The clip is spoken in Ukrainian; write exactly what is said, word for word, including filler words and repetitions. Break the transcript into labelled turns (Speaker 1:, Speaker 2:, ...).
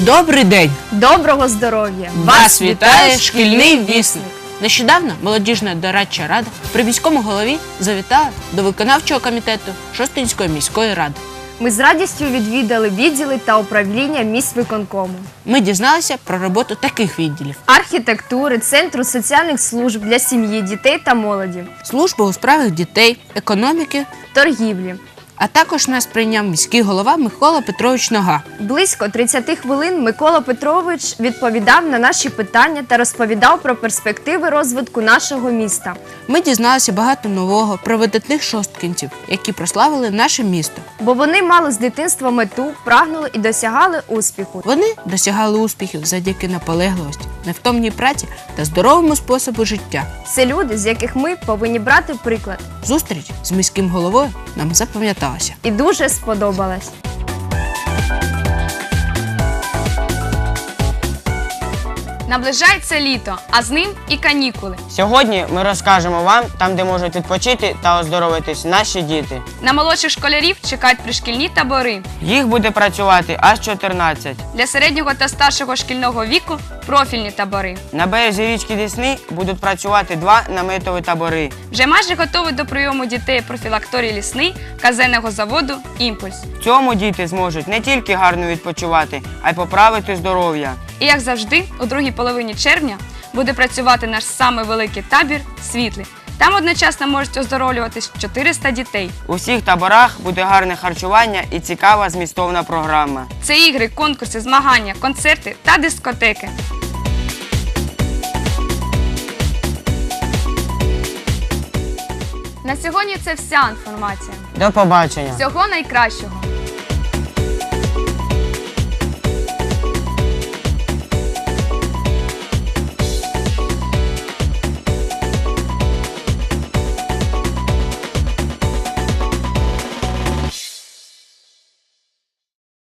Speaker 1: Добрий день!
Speaker 2: Доброго здоров'я!
Speaker 1: Вас вітає шкільний вісник! Нещодавно молодіжна дорадча рада при міському голові завітала до виконавчого комітету Шосткинської міської ради.
Speaker 2: Ми з радістю відвідали відділи та управління міськвиконкому.
Speaker 1: Ми дізналися про роботу таких відділів:
Speaker 2: архітектури, центру соціальних служб для сім'ї, дітей та молоді,
Speaker 1: служби у справах дітей, економіки,
Speaker 2: торгівлі.
Speaker 1: А також нас прийняв міський голова Микола Петрович Нога.
Speaker 2: Близько тридцяти хвилин Микола Петрович відповідав на наші питання та розповідав про перспективи розвитку нашого міста.
Speaker 1: Ми дізналися багато нового про видатних шосткинців, які прославили наше місто.
Speaker 2: Бо вони мали з дитинства мету, прагнули і досягали успіху.
Speaker 1: Вони досягали успіхів завдяки наполегливості, невтомній праці та здоровому способу життя.
Speaker 2: Це люди, з яких ми повинні брати приклад.
Speaker 1: Зустріч з міським головою нам запам'яталася.
Speaker 2: І дуже сподобалась.
Speaker 3: Наближається літо, а з ним і канікули.
Speaker 4: Сьогодні ми розкажемо вам там, де можуть відпочити та оздоровитись наші діти.
Speaker 3: На молодших школярів чекають пришкільні табори.
Speaker 4: Їх буде працювати аж чотирнадцять.
Speaker 3: Для середнього та старшого шкільного віку – профільні табори.
Speaker 4: На березі річки Десни будуть працювати два наметові табори.
Speaker 3: Вже майже готовий до прийому дітей профілакторій лісний казенного заводу «Імпульс».
Speaker 4: В цьому діти зможуть не тільки гарно відпочивати, а й поправити здоров'я.
Speaker 3: І, як завжди, у другій половині червня буде працювати наш самий великий табір «Світлий». Там одночасно можуть оздоровлюватись чотириста дітей.
Speaker 4: У всіх таборах буде гарне харчування і цікава змістовна програма.
Speaker 3: Це ігри, конкурси, змагання, концерти та дискотеки. На сьогодні це вся інформація.
Speaker 4: До побачення!
Speaker 3: Всього найкращого!